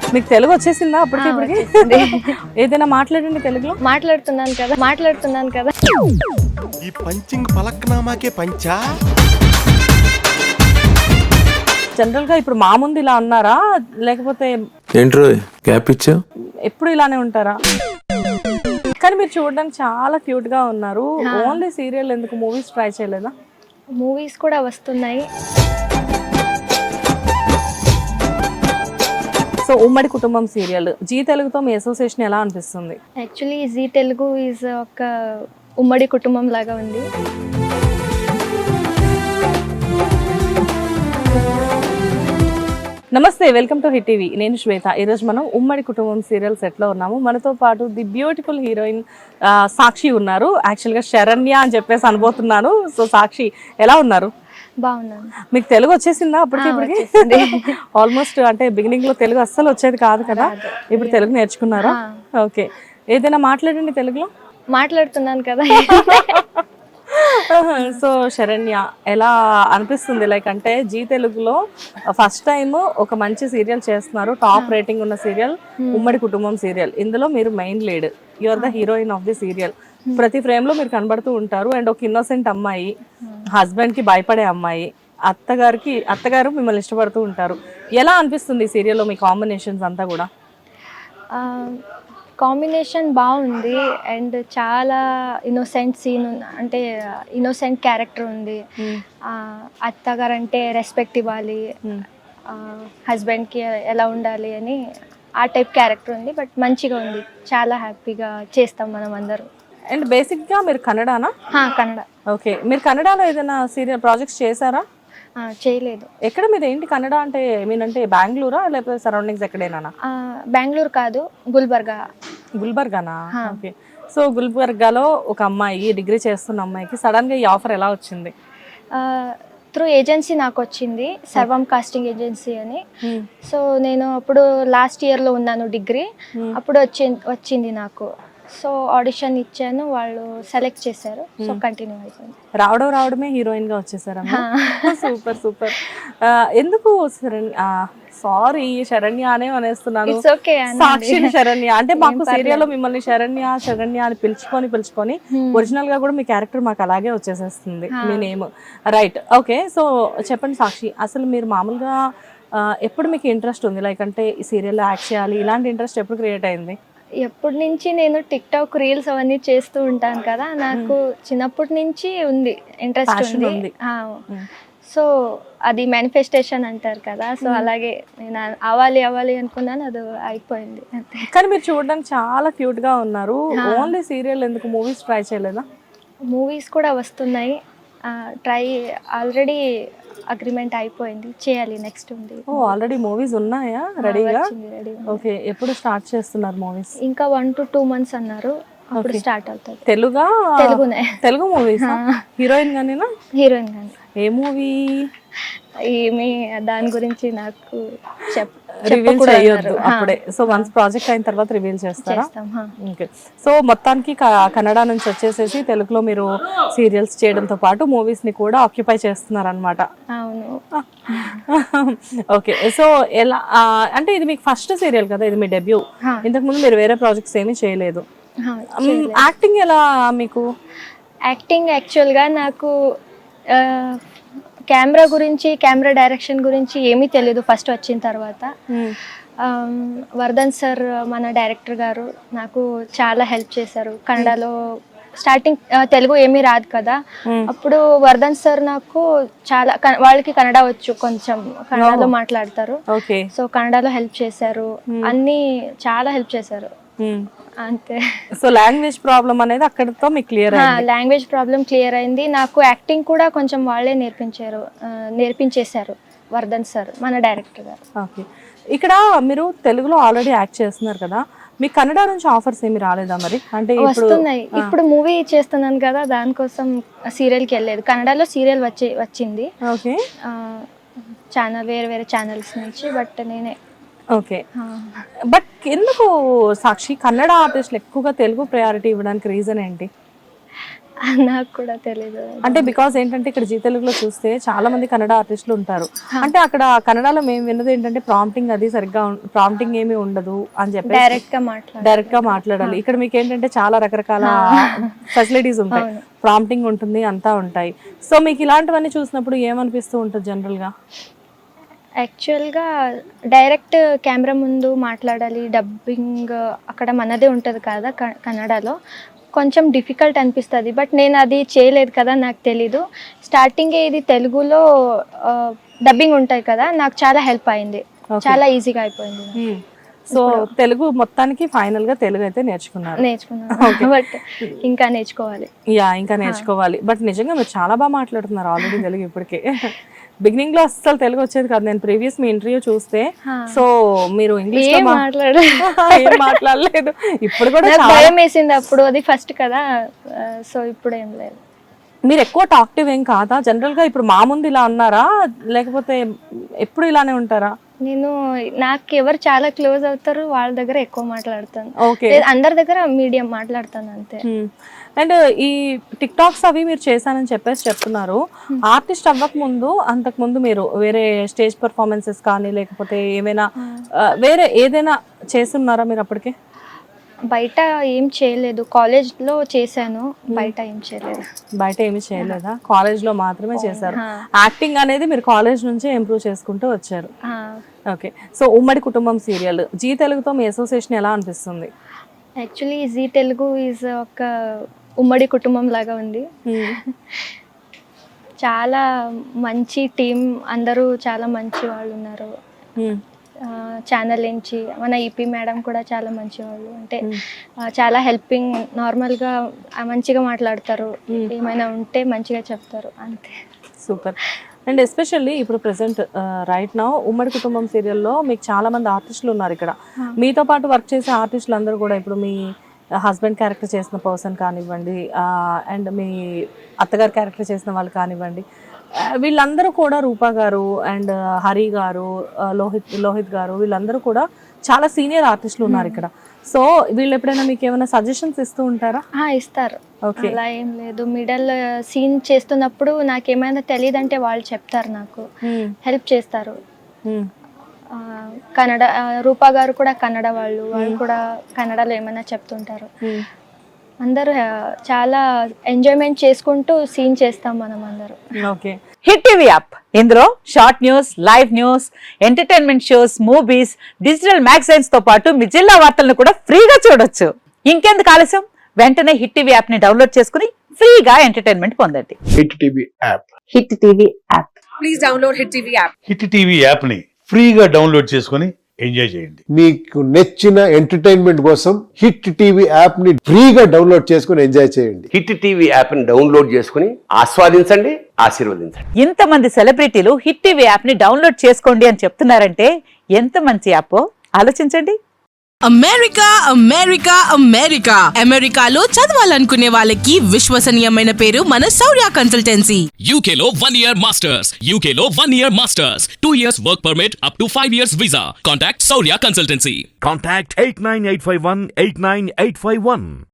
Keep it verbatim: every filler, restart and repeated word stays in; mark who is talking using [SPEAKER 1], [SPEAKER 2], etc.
[SPEAKER 1] మీకు తెలుగు వచ్చేసిందా అప్పటికి ఇప్పటికి? ఏదైనా మాట్లాడండి తెలుగులో.
[SPEAKER 2] మాట్లాడుతున్నాను కదా మాట్లాడుతున్నాను కదా
[SPEAKER 3] ఈ పంచింగ్ పలక్నామాకే పంచా.
[SPEAKER 1] జనరల్ గా ఇప్పుడు మా ముందు ఇలా అన్నారా లేకపోతే
[SPEAKER 4] ఏంట్రో గ్యాప్ ఇచ్చా
[SPEAKER 1] ఎప్పుడు ఇలానే ఉంటారా? కానీ మీరు చూడడానికి చాలా క్యూట్ గా ఉన్నారు. ఓన్లీ సీరియల్ ఎందుకు మూవీస్ ట్రై చేయలేదా?
[SPEAKER 2] మూవీస్ కూడా వస్తున్నాయి.
[SPEAKER 1] సో ఉమ్మడి కుటుంబం సీరియల్ జీ తెలుగుతో మీ అసోసియేషన్ ఎలా అనిపిస్తుంది?
[SPEAKER 2] యాక్చువల్లీ జీ తెలుగు ఈజ్ ఒక ఉమ్మడి కుటుంబం లాగా ఉంది.
[SPEAKER 1] నమస్తే, వెల్కమ్ టు హిట్ టీవీ. నేను శ్వేత. ఈరోజు మనం ఉమ్మడి కుటుంబం సీరియల్ సెట్లో ఉన్నాము. మనతో పాటు ది బ్యూటిఫుల్ హీరోయిన్ సాక్షి ఉన్నారు. యాక్చువల్గా శరణ్య అని చెప్పేసి అనుబోతున్నాను. సో సాక్షి ఎలా ఉన్నారు?
[SPEAKER 2] బాగున్నాను.
[SPEAKER 1] మీకు తెలుగు వచ్చేసిందా అప్పటికి ఇప్పటికి? ఆల్మోస్ట్ అంటే బిగినింగ్ లో తెలుగు అస్సలు వచ్చేది కాదు కదా, ఇప్పుడు తెలుగు నేర్చుకున్నారా? ఓకే, ఏదైనా మాట్లాడండి తెలుగులో.
[SPEAKER 2] మాట్లాడుతున్నాను కదా.
[SPEAKER 1] సో శరణ్య ఎలా అనిపిస్తుంది? లైక్ అంటే జీ తెలుగులో ఫస్ట్ టైం ఒక మంచి సీరియల్ చేస్తున్నారు, టాప్ రేటింగ్ ఉన్న సీరియల్ ఉమ్మడి కుటుంబం సీరియల్. ఇందులో మీరు main lead, you are the heroine of the serial. ప్రతి ఫ్రేమ్ లో మీరు కనబడుతూ ఉంటారు. అండ్ ఒక ఇన్నోసెంట్ అమ్మాయి, హస్బెండ్ కి భయపడే అమ్మాయి, అత్తగారికి అత్తగారు మిమ్మల్ని ఇష్టపడుతూ ఉంటారు. ఎలా అనిపిస్తుంది ఈ సీరియల్లో మీ కాంబినేషన్స్ అంతా కూడా?
[SPEAKER 2] కాంబినేషన్ బాగుంది అండ్ చాలా ఇన్నోసెంట్ సీన్ అంటే ఇన్నోసెంట్ క్యారెక్టర్ ఉంది. అత్తగారు అంటే రెస్పెక్ట్ ఇవ్వాలి, హస్బెండ్కి ఎలా ఉండాలి అని ఆ టైప్ క్యారెక్టర్ ఉంది. బట్ మంచిగా ఉంది, చాలా హ్యాపీగా చేస్తాం మనం అందరూ.
[SPEAKER 1] అండ్ బేసిక్గా మీరు కన్నడనా?
[SPEAKER 2] కన్నడ. ఓకే,
[SPEAKER 1] మీరు కన్నడలో ఏదైనా సీరియల్ ప్రాజెక్ట్స్ చేశారా?
[SPEAKER 2] చేయలేదు.
[SPEAKER 1] ఎక్కడ మీద ఏంటి కన్నడ అంటే? మీనంటే బెంగళూరా లేకపోతే సరౌండింగ్స్ ఎక్కడైనా?
[SPEAKER 2] బెంగళూరు కాదు, గుల్బర్గా.
[SPEAKER 1] గుల్బర్గానా? ఓకే. సో గుల్బర్గాలో ఒక అమ్మాయి, డిగ్రీ చేస్తున్న అమ్మాయికి సడన్ గా ఈ ఆఫర్ ఎలా వచ్చింది?
[SPEAKER 2] త్రూ ఏజెన్సీ నాకు వచ్చింది, సర్వం కాస్టింగ్ ఏజెన్సీ అని. సో నేను అప్పుడు లాస్ట్ ఇయర్లో ఉన్నాను డిగ్రీ, అప్పుడు వచ్చి వచ్చింది నాకు. సో ఆడిషన్ ఇచ్చాను, వాళ్ళు సెలెక్ట్ చేశారు. సో కంటిన్యూ అయిపోయింది.
[SPEAKER 1] రావడం రావడమే హీరోయిన్ గా వచ్చేసారా? Super super. ఎందుకు సారీ శరణ్య అనే అనేస్తున్నాను, సాక్షిని శరణ్య అంటే మాకు సీరియల్లో మిమ్మల్ని శరణ్య శరణ్య అని పిలుచుకొని పిలుచుకొని ఒరిజినల్ గా కూడా మీ క్యారెక్టర్ మాకు అలాగే వచ్చేసేస్తుంది, మీ నేమ్. Right, okay. సో చెప్పండి సాక్షి, అసలు మీరు మామూలుగా ఎప్పుడు మీకు ఇంట్రెస్ట్ ఉంది? లైక్ అంటే ఈ సీరియల్లో యాక్ట్ చేయాలి ఇలాంటి ఇంట్రెస్ట్ ఎప్పుడు క్రియేట్ అయింది?
[SPEAKER 2] ఎప్పటి నుంచి నేను టిక్ టాక్ రీల్స్ అవన్నీ చేస్తూ ఉంటాను కదా, నాకు చిన్నప్పటి నుంచి ఉంది, ఇంట్రెస్ట్ ఉంది. సో అది మేనిఫెస్టేషన్ అంటారు కదా, సో అలాగే నేను అవ్వాలి అవ్వాలి అనుకున్నాను, అది అయిపోయింది అంతే.
[SPEAKER 1] కానీ మీరు చూడడానికి చాలా క్యూట్ గా ఉన్నారు. ఓన్లీ సీరియల్ ఎందుకు మూవీస్ ట్రై చేయలేదా?
[SPEAKER 2] మూవీస్ కూడా వస్తున్నాయి, ట్రై ఆల్రెడీ అగ్రిమెంట్ అయిపోయింది, చేయాలి, నెక్స్ట్ ఉంది.
[SPEAKER 1] ఓ ఆల్రెడీ మూవీస్ ఉన్నాయా రెడీగా? ఓకే, ఎప్పుడు స్టార్ట్ చేస్తున్నారు మూవీస్?
[SPEAKER 2] ఇంకా వన్ టు టూ మంత్స్ అన్నారు, అప్పుడు స్టార్ట్ అవుతుంది.
[SPEAKER 1] తెలుగా?
[SPEAKER 2] తెలుగునే.
[SPEAKER 1] తెలుగు మూవీస్? హీరోయిన్ గానేనా?
[SPEAKER 2] హీరోయిన్ గానే.
[SPEAKER 1] ఏ మూవీ?
[SPEAKER 2] ఏమి దాని గురించి నాకు చెప్
[SPEAKER 1] రివీల్ చేయొద్దు అప్పుడే. సో వన్స్ ప్రాజెక్ట్ అయిన తర్వాత రివీల్ చేస్తారా? ఓకే. సో మొత్తానికి కన్నడ నుంచి వచ్చేసేసి తెలుగులో మీరు సీరియల్స్ చేయడంతో పాటు మూవీస్ ని కూడా ఆక్యుపై చేస్తున్నారు అనమాట.
[SPEAKER 2] అవును.
[SPEAKER 1] ఓకే. సో ఎలా అంటే ఇది మీకు ఫస్ట్ సీరియల్ కదా, ఇది మీ డెబ్యూ. ఇంతకు ముందు మీరు వేరే ప్రాజెక్ట్స్ ఏమీ చేయలేదు. యాక్టింగ్ ఎలా మీకు?
[SPEAKER 2] యాక్టింగ్ యాక్చువల్గా నాకు కెమెరా గురించి, కెమెరా డైరెక్షన్ గురించి ఏమీ తెలియదు ఫస్ట్ వచ్చిన తర్వాత. వర్ధన్ సార్ మన డైరెక్టర్ గారు నాకు చాలా హెల్ప్ చేశారు. కన్నడలో స్టార్టింగ్ తెలుగు ఏమీ రాదు కదా, అప్పుడు వర్ధన్ సార్ నాకు చాలా, వాళ్ళకి కన్నడ వచ్చు, కొంచెం కన్నడలో మాట్లాడతారు. సో కన్నడలో హెల్ప్ చేశారు, అన్ని చాలా హెల్ప్ చేశారు అంతే.
[SPEAKER 1] సో లాంగ్వేజ్ ప్రాబ్లం అనేది అక్కడతో మీకు క్లియర్ అయింది?
[SPEAKER 2] లాంగ్వేజ్ ప్రాబ్లం క్లియర్ అయింది. నాకు యాక్టింగ్ కూడా కొంచెం వాళ్ళే నేర్పించారు, నేర్పించేశారు వర్ధన్ సార్ మన డైరెక్టర్ గారు.
[SPEAKER 1] ఓకే. ఇక్కడ మీరు తెలుగులో ఆల్రెడీ యాక్ట్ చేస్తున్నారు కదా, మీకు కన్నడ నుంచి ఆఫర్స్ ఏమి రాలేదా మరి? అంటే
[SPEAKER 2] వస్తున్నాయి, ఇప్పుడు మూవీ చేస్తున్నాను కదా, దానికోసం సీరియల్కి వెళ్ళలేదు. కన్నడలో సీరియల్ వచ్చి వచ్చింది,
[SPEAKER 1] ఓకే,
[SPEAKER 2] ఛానల్ వేరే వేరే ఛానల్స్ నుంచి, బట్ నేనే.
[SPEAKER 1] ఓకే. బట్ ఎందుకు సాక్షి కన్నడ ఆర్టిస్టులు ఎక్కువగా తెలుగు ప్రయారిటీ ఇవ్వడానికి రీజన్ ఏంటి?
[SPEAKER 2] నాకు కూడా తెలీదు.
[SPEAKER 1] అంటే బికాస్ ఏంటంటే ఇక్కడ జీ తెలుగులో చూస్తే చాలా మంది కన్నడ ఆర్టిస్టులు ఉంటారు. అంటే అక్కడ కన్నడలో మేము విన్నది ఏంటంటే ప్రాంప్టింగ్ అది సరిగ్గా ప్రాంప్టింగ్ ఏమీ ఉండదు అని చెప్పి
[SPEAKER 2] డైరెక్ట్ గా మాట్లాడాలి
[SPEAKER 1] డైరెక్ట్ గా మాట్లాడాలి. ఇక్కడ మీకు ఏంటంటే చాలా రకరకాల ఫెసిలిటీస్ ఉంటాయి, ప్రాంప్టింగ్ ఉంటుంది, అంతా ఉంటాయి. సో మీకు ఇలాంటివన్నీ చూసినప్పుడు ఏమనిపిస్తూ ఉంటుంది జనరల్ గా?
[SPEAKER 2] యాక్చువల్గా డైరెక్ట్ కెమెరా ముందు మాట్లాడాలి, డబ్బింగ్ అక్కడ మనదే ఉంటుంది కదా కన్నడలో, కొంచెం డిఫికల్ట్ అనిపిస్తుంది. బట్ నేను అది చేయలేదు కదా, నాకు తెలీదు. స్టార్టింగే ఇది తెలుగులో డబ్బింగ్ ఉంటాయి కదా, నాకు చాలా హెల్ప్ అయింది, చాలా ఈజీగా అయిపోయింది.
[SPEAKER 1] సో తెలుగు మొత్తానికి ఫైనల్ గా తెలుగు అయితే నేర్చుకున్నారు?
[SPEAKER 2] నేర్చుకున్నాను, బట్ ఇంకా నేర్చుకోవాలి.
[SPEAKER 1] యా ఇంకా నేర్చుకోవాలి. బట్ నిజంగా మీరు చాలా బాగా మాట్లాడుతున్నారు ఆల్రెడీ తెలుగు. ఇప్పటికే బిగినింగ్ లో అసలు తెలుగు వచ్చేది కాదు. నేను ప్రీవియస్ మీ ఇంటర్వ్యూ చూస్తే సో మీరు ఇంగ్లీష్ లో మాట్లాడలేదు. ఇప్పుడు కూడా
[SPEAKER 2] భయం వేసింది అప్పుడు, అది ఫస్ట్ కదా, సో ఇప్పుడు ఏం లేదు.
[SPEAKER 1] మీరు ఎక్కువ టాక్టివ్ ఏం కాదా జనరల్ గా? ఇప్పుడు మా ముందు ఇలా ఉన్నారా లేకపోతే ఎప్పుడు ఇలానే ఉంటారా?
[SPEAKER 2] నేను నాకు ఎవరు చాలా క్లోజ్ అవుతారు వాళ్ళ దగ్గర ఎక్కువ మాట్లాడతాను.
[SPEAKER 1] ఓకే,
[SPEAKER 2] అందరి దగ్గర మీడియం మాట్లాడతాను అంతే.
[SPEAKER 1] అండ్ ఈ టిక్ టాక్స్ అవి మీరు చేశానని చెప్పేసి చెప్తున్నారు. ఆర్టిస్ట్ అవ్వక ముందు అంతకు ముందు మీరు వేరే స్టేజ్ పర్ఫార్మెన్సెస్ కానీ లేకపోతే ఏమైనా వేరే ఏదైనా చేస్తున్నారా మీరు అప్పటికే?
[SPEAKER 2] బయట ఏం చేయలేదు, కాలేజ్ లో చేశాను, బయట ఏం చేయలేదు.
[SPEAKER 1] బయట ఏమి చేయలేదా? కాలేజ్ లో మాత్రమే చేశారు. యాక్టింగ్ అనేది మీరు కాలేజ్ నుంచే ఇంప్రూవ్ చేసుకుంటూ వచ్చారు. ఓకే, సో ఉమ్మడి కుటుంబం సీరియల్ జీ తెలుగుతో మీ అసోసియేషన్ ఎలా అనిపిస్తుంది?
[SPEAKER 2] యాక్చువల్లీ జీ తెలుగు ఈజ్ ఒక ఉమ్మడి కుటుంబం లాగా ఉంది. చాలా మంచి టీం, అందరూ చాలా మంచి వాళ్ళు ఉన్నారు. ఛానల్ నుంచి మన ఈపీ మేడం కూడా చాలా మంచి వాళ్ళు, అంటే చాలా హెల్పింగ్, నార్మల్గా మంచిగా మాట్లాడతారు, ఏమైనా ఉంటే మంచిగా చెప్తారు, అంతే.
[SPEAKER 1] సూపర్. అండ్ ఎస్పెషల్లీ ఇప్పుడు present right now Ummadi Kutumbam సీరియల్లో మీకు చాలా మంది ఆర్టిస్టులు ఉన్నారు ఇక్కడ. మీతో పాటు వర్క్ చేసే ఆర్టిస్టులు అందరూ కూడా ఇప్పుడు మీ హస్బెండ్ క్యారెక్టర్ చేసిన పర్సన్ కానివ్వండి, అండ్ మీ అత్తగారు క్యారెక్టర్ చేసిన వాళ్ళు కానివ్వండి, వీళ్ళందరూ కూడా రూపా గారు అండ్ హరి గారు, లోహిత్ లోహిత్ గారు, వీళ్ళందరూ కూడా చాలా సీనియర్ ఆర్టిస్టులు ఉన్నారు ఇక్కడ. సో వీళ్ళు ఎప్పుడైనా మీకు ఏమైనా సజెషన్స్ ఇస్తూ ఉంటారా?
[SPEAKER 2] ఇస్తారు, అలా ఏం లేదు. మిడల్ సీన్ చేస్తున్నప్పుడు నాకేమైనా తెలియదంటే వాళ్ళు చెప్తారు, నాకు హెల్ప్ చేస్తారు. కన్నడ రూపా గారు కూడా కన్నడ వాళ్ళు, వాళ్ళు కూడా కన్నడలో ఏమైనా చెప్తుంటారు. అందరూ చాలా ఎంజాయ్మెంట్ చేసుకుంటూ సీన్ చేస్తాం మనం అందరూ.
[SPEAKER 1] ఓకే,
[SPEAKER 5] హిట్ టీవీ యాప్, ఇందులో short news, live news, entertainment shows, movies, digital magazines తో పాటు మీ జిల్లా వార్తలను కూడా ఫ్రీగా చూడొచ్చు. ఇంకెందుకు ఆలస్యం, వెంటనే హిట్ టీవీ యాప్ ని డౌన్లోడ్ చేసుకుని ఫ్రీగా ఎంటర్టైన్మెంట్ పొందండి.
[SPEAKER 6] Hit TV app,
[SPEAKER 5] hit TV app,
[SPEAKER 7] please download hit TV app.
[SPEAKER 6] Hit TV app ని ఫ్రీగా డౌన్లోడ్ చేసుకుని ఎంజాయ్ చేయండి.
[SPEAKER 8] మీకు నచ్చిన ఎంటర్టైన్మెంట్ కోసం హిట్ టీవీ యాప్ ని ఫ్రీగా డౌన్లోడ్ చేసుకుని ఎంజాయ్ చేయండి.
[SPEAKER 9] హిట్ టీవీ యాప్ ని డౌన్లోడ్ చేసుకుని ఆస్వాదించండి, ఆశీర్వదించండి.
[SPEAKER 5] ఇంతమంది సెలబ్రిటీలు హిట్ టీవీ యాప్ ని డౌన్లోడ్ చేసుకోండి అని చెప్తున్నారంటే ఎంత మంచి యాప్ ఆలోచించండి.
[SPEAKER 7] అమెరికా అమెరికా అమెరికా అమెరికాలో చదవాలనుకునే వాళ్ళకి విశ్వసనీయమైన పేరు మన శౌర్య కన్సల్టెన్సీ.
[SPEAKER 10] యూకేలో వన్ ఇయర్ మాస్టర్స్, యూకేలో one year masters, two years work permit, up to five years visa. Contact Shaurya consultancy.
[SPEAKER 11] Contact eight nine eight five one eight nine eight five one.